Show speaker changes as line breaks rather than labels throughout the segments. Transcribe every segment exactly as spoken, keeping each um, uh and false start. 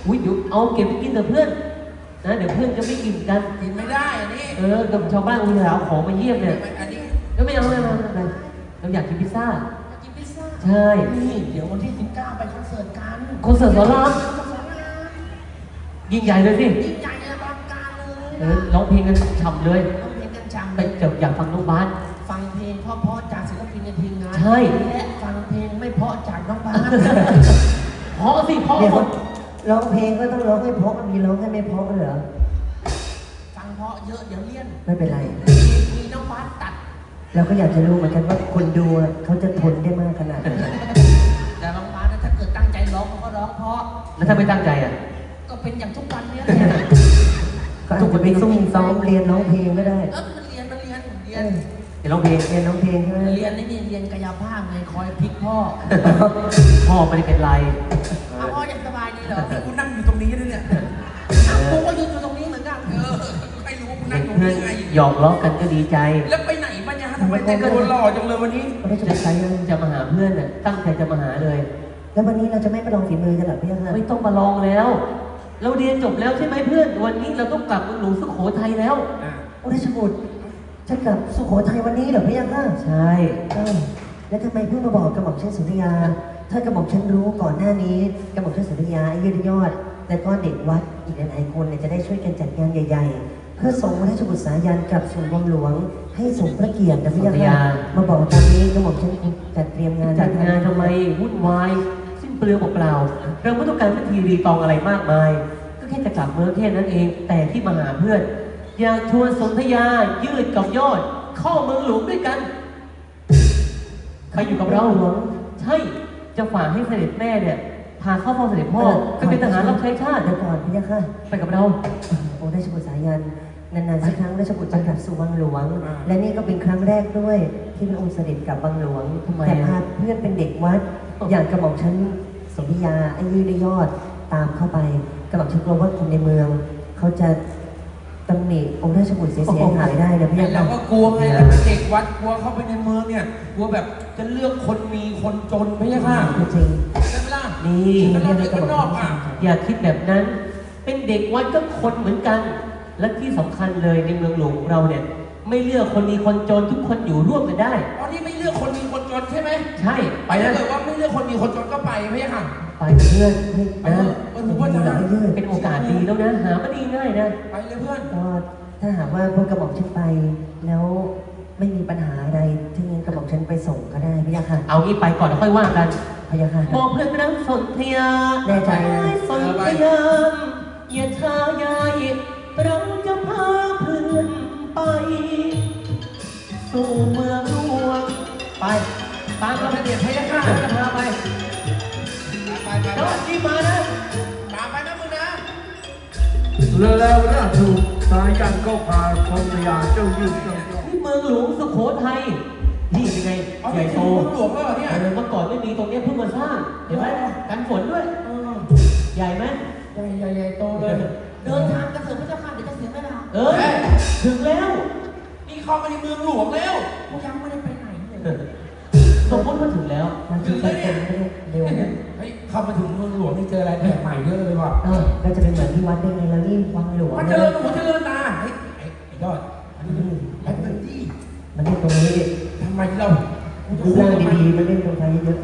อุ้ยเดี๋ยวเอาเก็บไปกินเถอะเพื่อนนะเดี๋ยวเพื่อนจะไม่กินกัน
กินไม่ได้อันนี้
เออกับชาวบ้านอุตส่าห์เอาของมาเยี่ยมเนี่ย
อันนี้
ก็ไม่เอาไม่เอาไม่เอาเราอยากกินพิซซ่า
กินพิซซ่า
ใช่
นี่เดี๋ยววันที่สิบเก้าไปคอนเสิร์ตกัน
คอนเสิร์ตสอนรามยิ่งใหญ่เลยสิ
ยิ่งใหญ่อลังการเลย
เออร้องเพลงกันฉ่ำเลย
ร้องเพลงกันฉ่ำ
ไปเจออยากฟังน้องบาส
ฟังเพลงเพราะๆจากศิลปินในทีมงาน
ใช่
และฟังเพลงไม่เพราะจากน้องบาส
เพราะสิเพราะหมด
ร้องเพลงก็ต้องร้องให้เพราะมีร้องให้ไม่เพราะเหรอ
ฟังเพราะเยอะเดี๋ยวเลี่ยน
ไม่เป็นไร
มีน้องบาสตัด
เราก็อยากจะรู้เหมือนกันว่าคนดูเขาจะทนได้มากขนาดไหน
แต่น้องบาสถ้าเกิดตั้งใจร้องเขาก็ร้องเพราะ
แล้วถ้าไม่ตั้งใจอ่ะ
ก็เป็นอย่างทุกวันนี้
ก็อาจจะไปซุ่มซ้อมเรียนร้องเพลงก็ได้
เออมันเรียนมันเรียนเรียน
เรียนร้องเพลง
เรียนร้องเพลงใช่ไหม
เรียนนี่นี่เรียนกายภาพไงคอยพลิกพ่อ
พ่อไม่ได้เป็นไร
เอาพ่อยังสบายดีเหรอกูนั่งอยู่ตรงนี้ด้วยเนี่ยกูก็ยืนอยู่ตรงนี้เหมือนกันเออไม่รู้ว่ากูนั่งตรงนี้ไง
หยอกล้อกันก็ดีใจ
แล้วไปไหนมาเนี่ยทำไมแต่งตัวหล่อจังเลยวันนี้
ไม่จะใช้
จะมาหาเพื่อนน่ะตั้งใจจะมาหาเลย
แล้ววันนี้เราจะไม่ไปลองฝีมือกันหรอพี่ฮะ
ไม่ต้องมาลองแล้วเราเรียนจบแล้วใช่ไหมเพื่อนวันนี้เราต้องกลับเมืองหลวงสุโขทัยแล้ว
โอ้ราชบุตรจะกลับสุโขทัยวันนี้เหรอพี่ฮะ
ใช่
แล้วทำไมเพิ่งมาบอกกระหม่อมเช่นสุริยาถ้ากระหม่อมเช่นรู้ก่อนหน้านี้กระหม่อมเช่นสุริยาไอ้ยืดยอดและก็เด็กวัดอีกหลายๆคนเนี่ยจะได้ช่วยกันจัดงานใหญ่ๆเพื่อส่งราชบุตรสายันกลับสู่วังหลวงให้สมพระเกียรตินะพี่ฮะมาบอกตอนนี้กระหม่อมเช่นจัดเตรียมงาน
จัดงานทำไมวุ่นวายสิ้นเปลืองเปล่าเราไม่ต้องการพิธีรีตองอะไรมากมายก็แค่จะกลับเมืองแค่นั้นเองแต่ที่มาหาเพื่อนอยากชวนสนธยายืดกับยอดเข้าเมืองหลวงด้วยกันใครอยู่กับเราหลวงใช่จะฝากให้เสด็จแม่เนี่ยพาเข้าเฝ้าเสด็จพ่อไปเป็นทหารรับใช้ชาติ
เดี๋ยวก่อนพี่ค่ะ
ไปกับเรา
โอ้ราชบุตรสายันนานๆสักครั้งราชบุตรจะกลับสู่วังหลวงและนี่ก็เป็นครั้งแรกด้วยที่พระองค์เสด็จกลับวังหลวงแต่พาเพื่อนเป็นเด็กวัดอย่างกระหม่อมชั้นสนธยาไอ้ยืดยอดตามเข้าไปกระหม่อมชั้นกลัวว่าคนในเมืองเขาจะตำหนิองค์ราชบุตรเสียหายได้นะพี่
เราก็กลัวไงเราเป็นเด็กวัดกลัวเข้าไปในเมืองเนี่ยกลัวแบบจะเลือกคนมีคนจนไม่ใช่ค่ะ
จริง
ใช่ไหมล่ะ
นี่
เราเด็กนอกอ่ะ
อย่าคิดแบบนั้นเป็นเด็กวัดก็คนเหมือนกันและที่สำคัญเลยในเมืองหลวงของเราเนี่ยไม่เลือกคนมีคนจนทุกคนอยู่ร่วมกันได้
ตอนนี้ไม่เลือกคนมีคนจนใช่ไหม
ใช่
ไปถ้าเกิดว่าไม่เลือกคนมีคนจนก็ไปไม่ใช่ค่ะ
ไปเพื่อนนะ
ผมว่าจะ
เป็นโอกาสดีแล้วนะหาไม่ดีง่ายนะ
ไปเลยเพื่อน
ก็ถ้าหากว่าพวกกระหม่อมฉันไปแล้วไม่มีปัญหาอะไรที่งั้นกระหม่อมฉันไปส่งก็ได้พี่ยาค่ะ
เอางี้ไปก่อนแล้วค่อยว่ากัน
พี่ยาค่ะ
บอกเพื่อนรักสนธยา
แน่ใจ
สนธยาอย่าช้าใหญ่เราจะพาเพื่อนไปสู่เมืองหลวงไปตามเราเด็ดพยาค่ะจะพาไป
ไปไป
แล้วที่มานะ
ตามไปนะมึงนะ
แล้วราชบุตรสายันก็พาสนธยาเจ้ายืดเจ้า
ยอดที่เมืองหลวงสุโขทัยนี่เป็นไงใหญ่โต
หลวงแล้วเนี่ย
เมื่อก่อนไม่มีตรงนี้เพิ่งมาสร้างเห็นไหมกันฝนด้วยใหญ่ไหม
ใหญ่ใหญ่ใหญ่โตเลยเดินทางกระเสือกพระเจ้าค่ะเดี๋ยวจะเสียเวลา
เออถึงแล้ว
นี่เข้ามาในเมืองหลวงแล้วกูยังไม่ได้ไปไหนเลย
สมมติว่าถึงแล้ว
มันถึงแล้วเนี่ยเร็วนะ
เฮ้ยเข้ามาถึงเมืองหลวงนี่เจออะไรแปลกใหม่เยอะเลยว่ะ
เออก็จะเป็นเหมือนที่วัดได้ไงแล้วนี่วังหลวง
มันเจริญหูเจริญตาเฮ้ยไอ้ยอดอันนี้แอปเปิลจี้
มันเล่นตรงนี้
ทำไมเรา
ดูร่างดีๆมันเล่นตรงไทยเยอะ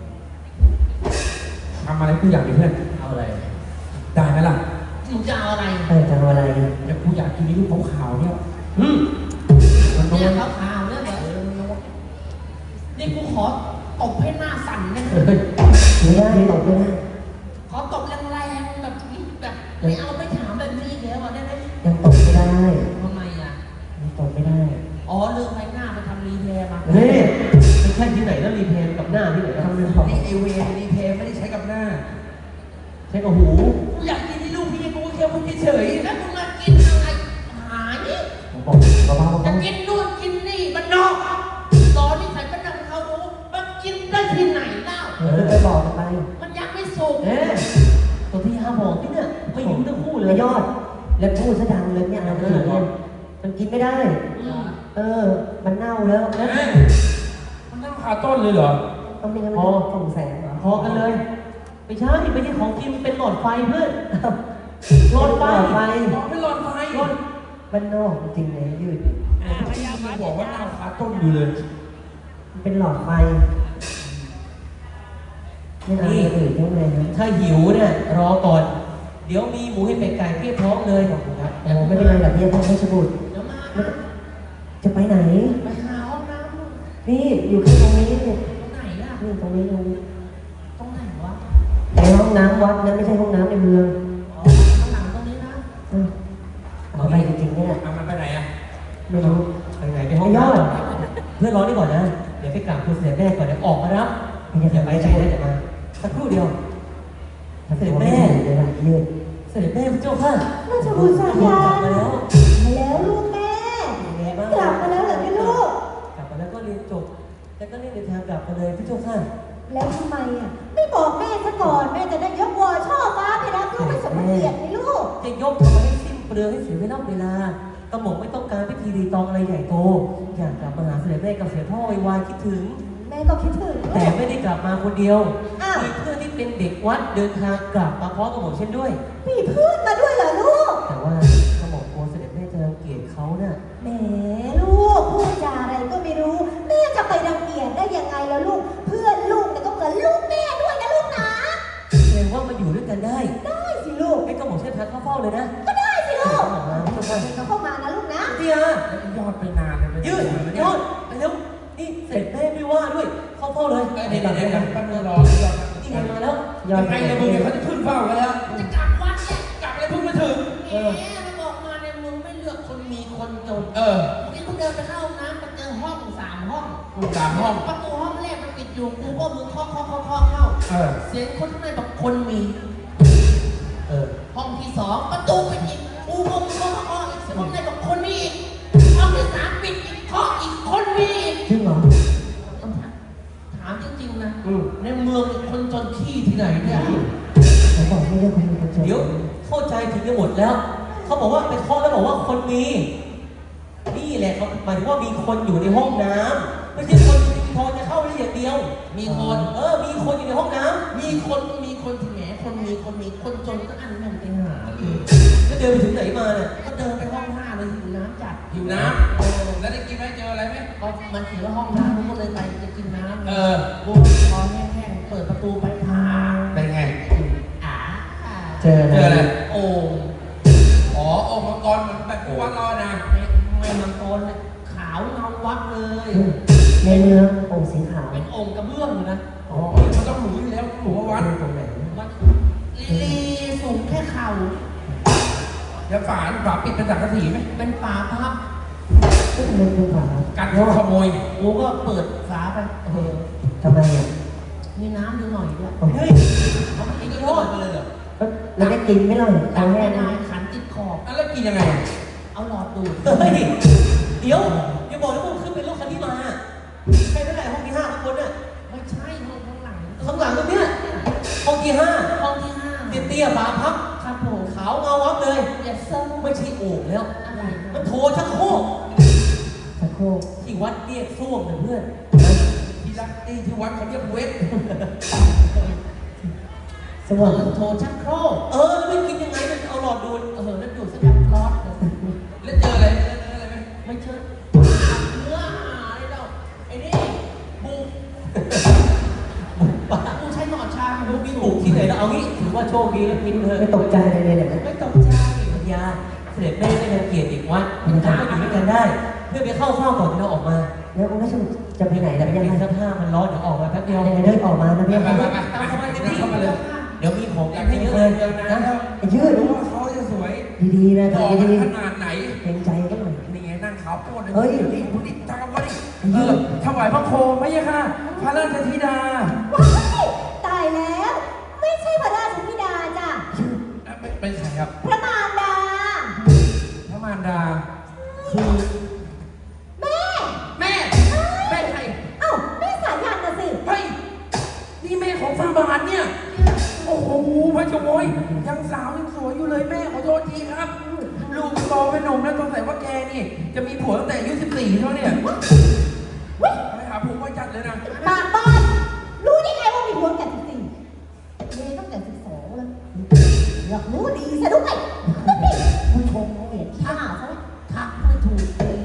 ทำอะไรกูอยากดิเพื่อน
เอาอะไร
ได้ไหมล่ะมึงจะเอาอะไร
เออจะเอาอะไร
เดี๋ยวกูอยากกินลูกขาวๆเนี่ย
อืม
มันเนี่ยขาวๆเนี่ยเออนี่กูขอตบให้หน้าสั่นเนี่ย
ไม่ได้ตบเลยนะ
ขอตบแรงๆแบบแบบไม่เอาไม่ถามแบบนี้แล้วได้ไหม
ยังตบไม่ได้
ทำไมอ่ะ
ยังตบไม่ได้
อ๋อเลือกไปหน้าไปทำรีเพย์มา
เฮ้ยไม่ใช่ที่ไหนแล้วรีเพย์กับหน้าที่ไหน
ทำเรื่อง
ของนี่เอเวรีเพย์ไม่ได้ใช้กับหน้า
ใช้กับหู
กูอยากกินที่ลูกพี่กูแค่พูดเฉยๆแล้วมึงมากินอะไรหานี่จะกินนู่นกินนี่มันนอกตอนนี้ใส่กระดังเขารู้มันกินได้ที่ไหนเล่า
เออไปบอกไป
มันยังไม่สุก
เอ๊ะตัวที่ห้าบอกที่เนี่ยไม่ยิ้มทั้งคู่เลย
ยอดแล้วพูดซะดังเลยเนี่ยอะไรเนี่ยมันกินไม่ได้เออมันเน่าแล้ว
มันเน่าคาต้นเลยเหรอ
ต้องมีอะไรส่งแสงเหรอ
พอกันเลยไม่ใช่ไม่ใช่ของจริงมันเป็นหลอดไฟเพื่อนหลอดไฟ
ไฟ
บอกไม่หลอดไฟ
หลอด
บ้านนอกจริงๆเลยยืด
พยายามบอกว่าหน้าขาต้นอยู่เลย
มันเป็นหลอดไฟไม่เอาอย่างอื่นได้ไหมครับ
ถ้าหิวเนี่ยรอก่อน เดี๋ยวมีหมูให้เป็ดไก่เพียบพร้อมเลยขอบคุณครับ
โอ้ไม่เป็นไรหรอกพี่พ่อราชบุตร
เดี๋ยวมา
ไม่ต้องจะไปไหน
ไปหาห้องน้ำลูก
นี่อยู่แค่ตรงนี้เนี่ย
ตรงไหนล่ะ
นี่ตรงนี้ตรงนี้
ตรงไหนวะ
ในห้องน้ำวัดนะไม่ใช่ห้องน้ำในเมือง
อ๋อข้างหลังตรงนี้นะ
เออเอาไปจริงๆเนี่ย
เอามันไปไหนอ่ะ
ไม่รู้
ไปไหนไปห้องน้ำเพื่อนร้อนนี่ก่อนนะ เดี๋ยวไปกราบคุณเสด็จแม่ก่อนเดี๋ยวออกมารับอย่าไปใจนะเดี๋ยวมาสักครู่เดียว เสด็จแม่
เดี๋ยวนะยืด
เสด็จแม่พระเจ้าค่ะ
ราชบุตรสาย
ก
ยา
ลับมาแล้ว
มาแล้วลูกแม่
เป็นไงบ้าง
กลับมาแล้วเหรอพี่ลูก
กลับมาแล้วก็เรียนจบ แล้วก็รีบเดินทางกลับมาเลยพระเจ้าค่ะ
แล้วทำไมอ่ะไม่บอกแม่ซะก่อนแม่จะได้ยกวอช่อฟ้าไปรับลูกไม่สมเกียรติไหมลูก
จะยกทำไมให้สิ้นเปลืองให้เสียเวลาเวลากระหม่อมไม่ต้องการพิธีรีตองอะไรใหญ่โต อยากกลับมาหาเสด็จแม่กับเสด็จพ่อไวๆคิดถึง
แม่ก็คิดถึงลู
แต่
ก
ไม่ได้กลับมาคนเดียว
อ้าว
มีเพื่อนที่เป็นเด็กวัดเดินทางกลับมาพร้อมกับผมเช่นด้วย
มีเพื่อนมาด้วยเหรอลูก
แต่ว่ากระหม่อมกลัวเสด็จแม่จะรังเกียจเขาน่ะ
แหมลูกพูดจาอะไรก็ไม่รู้ แม่จะไปรังเกียจได้ยังไงแล้วลูก เพื่อนลูกเนี่ยก็เหมือนลูกแม่ด้วยนะลูกนะ
เรียกว่ามาอยู่ด้วยกันได้
ได้สิลูก
ให้กระหม่อมเช่นพักเข้าเฝ้าเลยนะ
ก็ได้สิลูก
กระหม่อมมาพระเจ้าค่ะ
เข้ามานะลูกนะ
เดีย
ยอดไปนานเลย
ยืดยอดไปแล้วนี่เสร็จแม่ไม่ว่าด้วย เข้าเฝ้าเลย
เดี๋ยวเดี๋ยวเดี๋ยวแป๊บนึงรอ
นี่ไงมาแล้ว
ยอด
ยังไงเลยมึงเนี่ยเขาจะขึ้นเฝ้ากันแล้วจะกลับวัดเนี่ยกลับอะไรเพิ่งมาถึงแหมมันบอกมาเนี่ยมึงไม่เลือกคนมีคนจนเออเมื่อกี้กูเดินไปเข้าห้องน้ำมาเจอห้องสามห้องสามห้องประตูห้องแรกมันปิดอยู่กูก็มึงเคาะเคาะเคาะเคาะเข้าเสียงคนข้างในบอกคนมี
เออ
ห้องที่สองประตูปิดอีกกูก็มึงเคาะเคาะเคาะอีกห้องในบอกคนมีอีกห้องที่สามปิดอีกเคาะอีกคนมีอีก
จริงเหรอ
ถามจริงๆนะ
อืม
ในเมืองคนจนขี้ที่ไหนเนี่ย
ผมบอกไม่เรื่องคนมีคนจน
เดี๋ยวเข้าใจถึงจะหมดแล้ว เขาบอกว่าไปเคาะแล้วบอกว่าคนมี นี่แหละเขาหมายถึงว่ามีคนอยู่ในห้องน้ำไม่ใช่คนพอจะเข้าได้อย่างเดียว
มีคน
เออ มีคนอยู่ในห้องน้ำ
มีคนมีคนที่แหมคนมีคนมีคนจนก็อันนั้นไปหาเลย
แล้วเดินไปถึงไหนมาเนี่ย
ก็เดินไปห้องห้าเลยหิวน้ำจัดหิวน้ำแล้วได้กินไหมเจออะไรไหมก็มันเขียนว่าห้องน้ำผมก็เลยไปจะกินน้ำเออกูคอแห้งๆเปิดประตูไปพาเป็นไงอ่า
เจอ
เจออะไร
นะ
โอ่งอ๋อโอ่งมังกรเหมือนแบบกูวัดรอนะไม่มังกรเลยขาวเงาวัดเลย
ในเมืององค์สีขาว
เป็นโอ่งกระเบื้องเลยนะอ๋อมันต้องหนูอยู่แล้วหนูวัด
ตรงไหน
วัดลีสูงแค่เข่าแล้วฝาฝาปิดเป็นสังกะสีไหมเป็นฝาพับ
ก็ทำไมเป็นฝา
กันขโมยกูก็เปิดฝาไปเออ
ทำไมอ่ะ
มีน้ำอยู่หน่อยด้วย
เฮ้ย
เขาไม่ได้ยอดไปเลยเหรอ
แล้วได้กินไหมล่ะ
ขั
เอา
น
แห้
ไม่
ง
ได้ขันติดขอบแล้วกินยังไง เอาหลอดดูด
เฮ้ย เดี๋ยวอย่าบอกนะว่ามึงขึ้นเป็นรถคันที่มาใครไม่ได้ห้องที่ห้าข้างบนน่ะ
ไม่ใช่ห้องข้างหลัง
ข้างหลังตรงเนี้ยห้องที่ห้า
ห้องที่ห้า
เตี้ยๆฝาพับ
ครับผม
ขาวเงาวับเลย
อย่าเซิร์ฟ
ไม่ใช่โอ่งแล้ว
อะไร
มันโถชักโครก
ตะโคก
ที่วัดเรียกส้วมนะเพื่อน
ที่รักที่ที่วัดเขาเรียกเวท
สว่าง
โทรชักโครก
เออแล้วไม่กินยังไงมันเอาหลอดดูด
เออแล้วดูดสักแบบร้อนเลยแล้วเจออะไรเจออะไรไหมไม่เจอเนื้อหาอะไรเราไอ้นี่บุกกูใช้หนอนชา
ลูกมีบุกที่ไหนแล้วเอางี้ถือว่าโชคดีแล้วกินเถอะ
ไม่ตกใจเลยเนี่ย
ไม่ตกใจ
ปัญญาเสด็จแม่ไม่รังเกียจอีกวัดมันก็อยู่ด้วยกันได้ เพื่อไปเข้าเฝ้าก่อนที่เราออกมา
แล้วองค์ราชบุตรจะไปไหนล่ะ
แต่
พี่
ยัง
ยัง
ไง
ไง
เสื้อผ้ามันร้อนเดี๋ยวออกมาแป๊บเดียว
ยังไงเดินออกมานะพี่
ไป
ยัง
ไป
ไง
ไปตามสบายเต็มที่เข้ามาเลย
เดี๋ยวมีของกันให้เยอะเลยนะ
ยืด
รู้ว่าเขาจะสวย
ดีๆนะ
หล่อ
ทำดี
ขนาดไหน
ๆเกรงใจก็หน่อย
นี่ไงนั่งขาวโพดเลย
เฮ้ย
นี่พูดดิทำกันดิเออถวายพระโคมไหมค่ะ พระราชธิดา
ว้ายตายแล้ว ไม่ใช่พระราชธิดาจ้ะ
เป็นเป็นใครครับ
พระมารดา
พระมารดา คือ
แม่
แม่ แม่ใคร
เอ้าแม่สายันน่ะสิ
เฮ้ย นี่แม่ของฟาบาทเนี่ย โอ้โหพระเจ้าโวยยังสาวยังสวยอยู่เลยแม่ขอโทษทีครับ ลูกโตเป็นหนุ่มแล้วสงสัยว่าแกนี่ จะมีผัวตั้งแต่อายุสิบสี่เท่าเนี่ยไปหาผัวมาจัดเลยนะ
ปากบอลรู้ได้ไงว่ามีผัวแก่จริงๆเมย์ต้องเลือกรู้ดีซะด้วยผู้ชมเกลียดข้าซะ
ทักไม่ถูก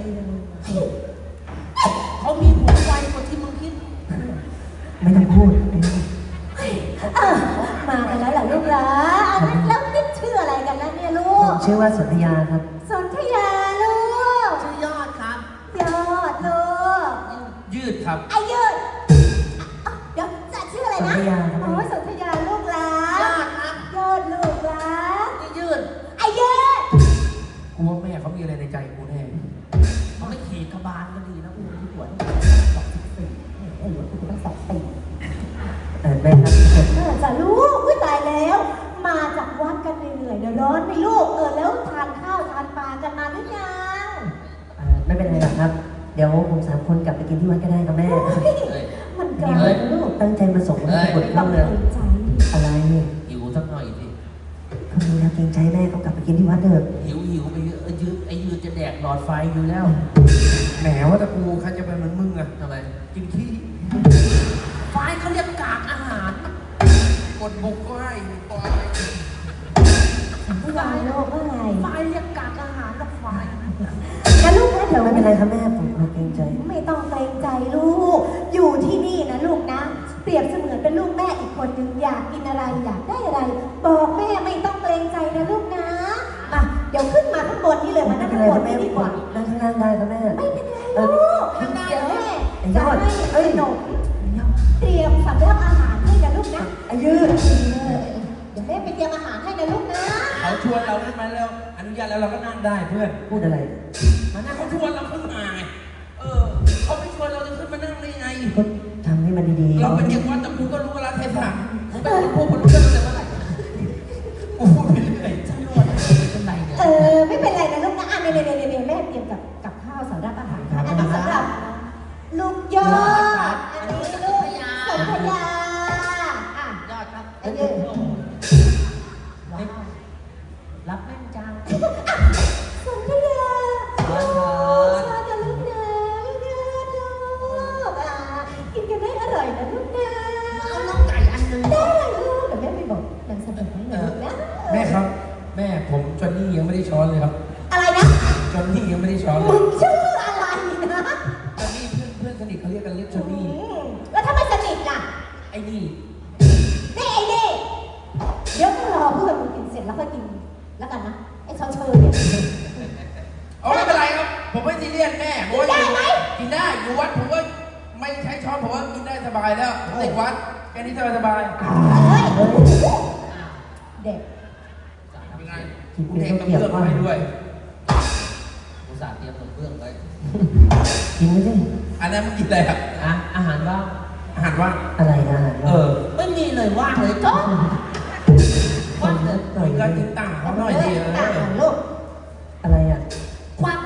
เขามีหัวไวกว่าที่มึงคิด
ไม่ต้องพูด
เออมากันแล้วเหรอลูกเหรออันนั้นแล้วนี่ชื่ออะไรกันนะเนี่ยลู
ผ
ก
มชื่อว่าสนธยาครับ
สนธยาลูก
ชื่อยอดครับ
ยอดลูก
ยืดครับ
ไอ้ยืดอ่ะเดี๋ยวจะชื่ออะไรนะ
สนธยาครับ
อ๋อสนธยาลูกหลาย
อดครับ
ยอดลูกหลาน
นี่ยืด
ไอ้ยืด
กูว่าแม่เขามีอะไรในใจกูแน่เขาไม่ขี่กระบาลก็ดีนะกูที่ปวด
สองสิบสี่ไอ้หลวงกูต้องสองปี
เออแม่ครับ
เออจ้ะลูกอุ้ยตายแล้ว มาจากวัดกันเหนื่อยๆเดี๋ยวร้อนไหมลูกเออแล้วทานข้าวทานปลากันมาหรือยัง
เอ่อไม่เป็นไรหรอกครับ เดี๋ยวผมสามคนกลับไปกินที่วัดก็ได้ครับแม่
มันไกล
เฮ้ย
ลูก
ตั้งใจมาส่งให้บท
ต้
เข้า
อง
เล
เกร
ย
งใจ
อะไร
หิวสักหน่อยสิ
เขาดูแลเกรงใจแม่เขากลับไปกินที่วัดเถอะ
หิวหิวไปเยอะเออยืดไอ้ยืดจะแดกหลอดไฟอยู่แล้ว
แหมว่าแต่กูใครจะเป็นเหมือนมึงอะ
ทำไม
กินขี้
ไฟเขาเรียกกากอาหาร
กดบุกก็ให้ปล่อย
ผู้ใหญ่โลกเมื่อไหร่
ไฟเรียกกากอาหารกับไฟ
นะลูกนะเดี๋ยว
ไม่เป็นไรครับแม่ผมผมเกรงใจ
ไม่ต้องเกรงใจลูก อยู่ที่นี่นะลูกนะ เปรียบเสมือนเป็นลูกแม่อีกคนหนึ่งอยากกินอะไรอยากได้อะไร บอกแม่ไม่ต้องเกรงใจนะลูกนะมาเดี๋ยวขึ้นมาข้างบนนี่เลยมา
ไม่
นั่ง
เป็น
ข้าง
ไร
บ
คน รับแม่
นี่ดีกว่า
นั่งข้างล่างได้ครับแม่
ไม่เป็นไรลูกเดี๋ยวแม่
ไอ้ย
จะ
อด
ให้
เอ้ย
ขนมเตรียมสำหรับอาหารให้นะลูกนะ
ไอ้ยืด
เออเดี๋ยวแม่ไปเตรียมอาหารให้นะลูกนะ
เขาชวนเราขึ้นมาแล้ว อนุญาตแล้วเราก็นั่งได้เพื่อน
พูดอะไร
มานั่งเขาชวนเราขึ้นมาไงเออเขาไม่ชวนเราจะขึ้นมานั่งได้ไง
ก็ทำให้มันดีๆ
เราเป็นเด็กวัดแต่กูก็รู้เวลาเทศะกูเป็นคนพูดคนรู้เรื่องตั้งแต่เมื่อไหร่กูพูดไปเรื่อยฉันรู้ว่าเป็นไรเนี่ย
เออไม่เป็นไรนะลูกนะอ่ะเนี่ยเนี่ยเนี่ยเนี่ยแม่เตรียมกับกับข้าวสำหรับอาหารค่ะอันนี้สำหรับลูกยอดอันนี้ลูกสนธยาอ่ะ
ยอดครับ
ไอ้ยืด
ว้าวรับแม่นจัง
สนธยาโอ้ชาจะลูกนะลูกนะลูกอ่ะกินกันได้อร่อยนะลูกนะ
เอาน้องไก่อันหนึง
ได้ลูกเดี๋ยวแม่ไปบอกนางสมบัติให้นะลูกนะ
แม่ครับ แม่ผมจอนนี่ยังไม่ได้ช้อนเลยครับ
อะไรนะ
จอนนี่ยังไม่ได้ช้อนเล
มึ
ย
งชื่ออะไรนะ
จอนนี่เพื่อนเพื่อนสนิทเขาเรียกกันเรียกจอนนี่
อืมแล้วถ้าไม่สนิทล่ะ
ไอ้นี่
นี่ไอ้นี่เดี๋ยวต้องรอเพื่อนมึงกินเสร็จแล้วค่อยกินแล้วกันนะไอ้ชอนเชยเนี่ย
เอาไม่เป็นไรครับ ผมไม่ซีเรียสแม่ผมว่า
ได้ไหม
กินได้อยู่วัดผมว่าไม่ใช้ช้อนผมว่ากินได้สบายแล้วเด็กวัดแค่นี้สบายสบาย
เฮ้ยเด็ก
เป็นไง
กิน
กู
เป็น
เท
ข้าว
กระ
เกรียบ
เบื้อง
ว่า
ให้ด้วย
อุตส่าห์เตรียมกับเบื้องไว้
กินไม่ได้
อันนั้นมึงกินอะไรครับ
อ่ะอาหารว่าง
อาหารว่าง
อะไรนะ
เออ ไม่มีเลยว่างเลยจ้ะ
ค
ว่าง
น
เล
ละ
ย
หน่อย
มึงก็กินต่างเขาหน่อยดิเอ
ต่าง
อ
กันลูก
อะไรอ่ะ
ควัก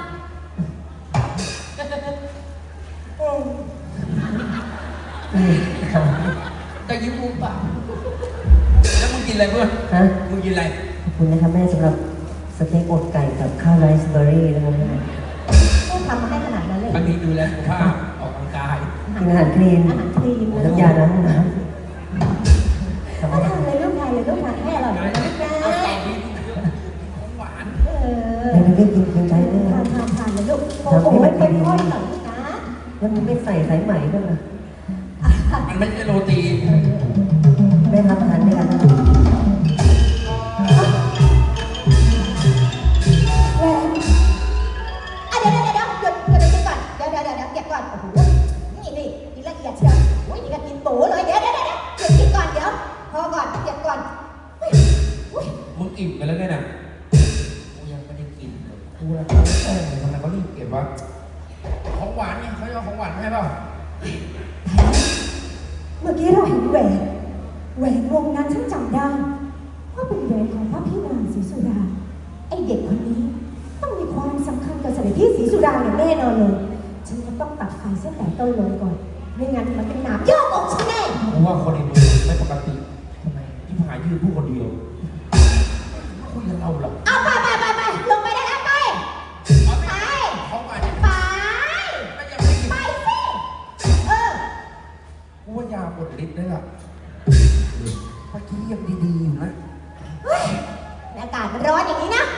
อืม
อืมครับ
แต่ยิ้มมุมปาก
แล้วมึงกินอะไรเพื่อน
ฮะ
มึงกินอะไร
ขอบคุณนะครับแม่สำหรับสเต็กอกไก่กับข้าวไรซ์เบอร์รี่นะครับแม่
ต้องทำมาให้ขนาดนั้นเลย
บางทีดูแลสุขภาพออกกำลังกาย
กินอาหารคลีน
อาหารคลีนเลย
น้ำยาล้างห้องน้ำครับ
ถ้าทำเลยลูกไทยเลยลูกทานให้อร่อยนะลูกนะ
เอาต่อมีของหวาน
เออ
แม่ไม่ได้กินเกรงใจแม่
ทานทานทานเลยลูกโอ้โหเป็นค่อยๆหน่อยลูกนะ
แล้วมันไม่ใส่สายไหมด้วยล่ะ
มันไม่ใช่โรตี
แม่รับประทานด้วยกันนะ
แหวนอ่ะเดี๋ยวเดี๋ยวเดี๋ยวหยุดหยุดเดี๋ยวก่อนเดี๋ยวเดี๋ยวเดี๋ยวเก็บก่อนโอ้โหนี่นี่นี่ละเอียดเชียวโอ้ยนี่ก็กินโตเลยเดี๋ยวเดี๋ยวเดี๋ยวหยุดกินก่อนเดี๋ยวพอก่อนเก็บก่อนเฮ้ยอุ้ย
มึงอิ่มกันแล้วไงน่ะ
กูยังไม่ได้กินเลย
กูละเออทำไมเขารีบเก็บวะของหวานไงเขาจะเอาของหวานมาให้เปล่า
เมื่อกี้เราเห็นแหวนแหวนวงนั้นฉันจำได้ว่าเป็นแหวนของพระพี่นางศรีสุดาไอเด็กคนนี้ต้องมีความสำคัญกับเสด็จพี่ศรีสุดาอย่างแน่นอนเลยฉันจะต้องตัดไฟเส้นแต่ต้นเลยก่อนไม่งั้นมันเป็นหนามยอกอกฉันแน่
กูว่าคนในเมืองไม่ปกติทำไมที่ผายยืนผู้คนเดียวคุยกับเราหรอก
เอาไปไปไปไปลงไปได้แล้วไป
เอา
ไป
ไปเขามาเนี่ย
ไป
ไม่ยังไม่กิน
ไปสิเออ
กูว่ายาหมดฤทธิ์เลยล่ะเมื่อกี้ยังดีๆอยู่นะ
เฮ้ยมันร้อนอย่างนี้นะ